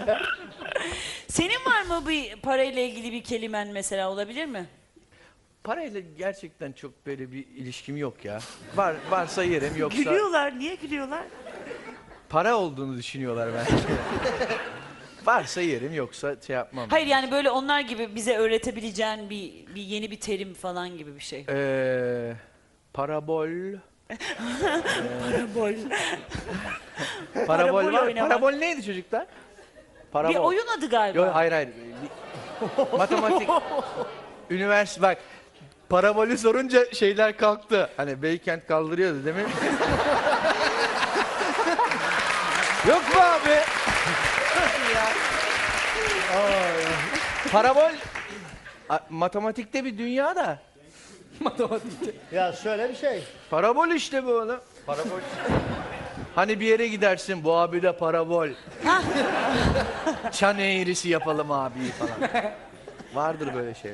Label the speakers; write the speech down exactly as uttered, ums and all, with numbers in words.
Speaker 1: Senin var mı bir parayla ilgili bir kelimen mesela, olabilir mi?
Speaker 2: Parayla gerçekten çok böyle bir ilişkim yok ya. Var varsa yerim, yoksa
Speaker 1: Gülüyorlar. Niye gülüyorlar?
Speaker 2: para olduğunu düşünüyorlar bence. Varsa yerim, yoksa şey yapmam.
Speaker 1: Hayır, yani böyle onlar gibi bize öğretebileceğin bir, bir yeni bir terim falan gibi bir şey.
Speaker 2: Ee, parabol.
Speaker 1: Parabol.
Speaker 2: Parabol
Speaker 1: Parabol
Speaker 2: var.
Speaker 1: oynamak.
Speaker 2: Parabol neydi çocuklar? Parabol.
Speaker 1: Bir oyun adı galiba.
Speaker 2: Yok, hayır hayır. Bir- matematik. Üniversite bak. Parabolü sorunca şeyler kalktı. Hani Beykent kaldırıyordu değil mi? Yok mu abi? Ya. Parabol a- matematikte bir dünya da. Matematikte.
Speaker 3: Ya şöyle bir şey.
Speaker 2: Parabol işte bu oğlum. Parabol. Hani bir yere gidersin, bu abi de parabol. Çan eğrisi yapalım abi falan. Vardır böyle şeyler.